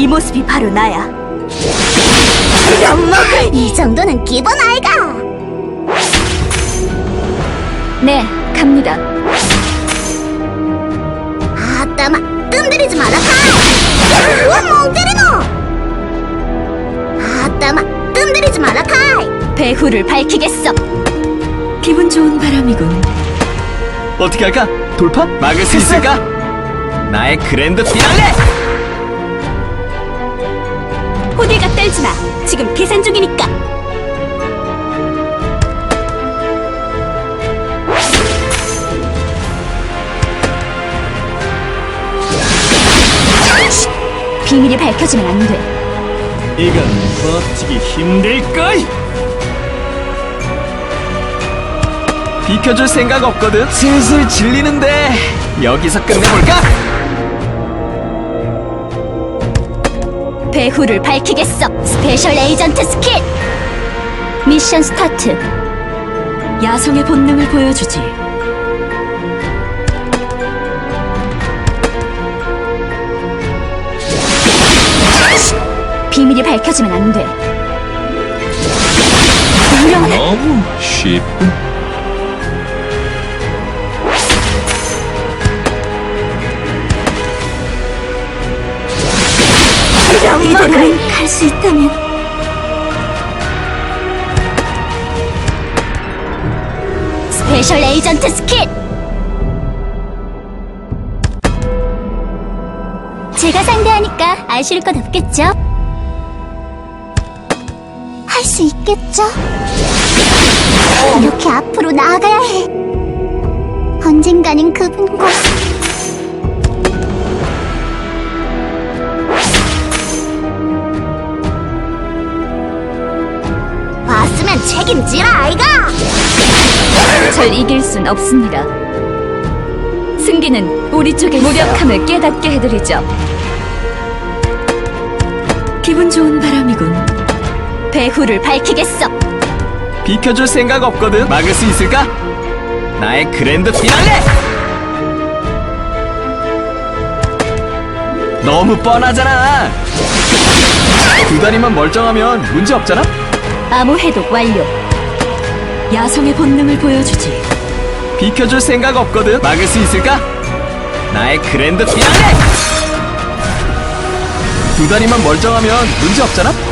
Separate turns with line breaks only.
이 모습이 바로 나야.
이 정도는 기본 아이가.
네, 갑니다.
아따마, 뜸들이지 마라 카이. 멍 때리노. 아따마, 뜸들이지 마라 카이.
배후를 밝히겠어. 기분 좋은 바람이군.
어떻게 할까? 돌파? 막을 수 있을까? 나의 그랜드 피날레!
호들갑 떨지 마. 지금 계산 중이니까. 비밀이 밝혀지면 안 돼.
이건 버티기 힘들걸! 비켜줄 생각 없거든? 슬슬 질리는데 여기서 끝내볼까?
배후를 밝히겠어. 스페셜 에이전트 스킬. 미션 스타트. 야성의 본능을 보여주지. 비밀이 밝혀지면 안 돼. 유령해.
너무 쉽군.
이대로는 갈 수 있다면. 스페셜 에이전트 스킬. 제가 상대하니까 아실 것 없겠죠?
할 수 있겠죠? 이렇게 앞으로 나아가야 해. 언젠가는 그분과 왔으면 책임지라 아이가.
절 이길 순 없습니다. 승기는 우리 쪽의 무력함을 깨닫게 해드리죠. 기분 좋은 바람이군. 배후를 밝히겠어.
비켜줄 생각 없거든? 막을 수 있을까? 나의 그랜드 피날레! 너무 뻔하잖아. 두 다리만 멀쩡하면 문제 없잖아?
암호 해독 완료. 야성의 본능을 보여주지.
비켜줄 생각 없거든? 막을 수 있을까? 나의 그랜드 피날레! 두 다리만 멀쩡하면 문제 없잖아?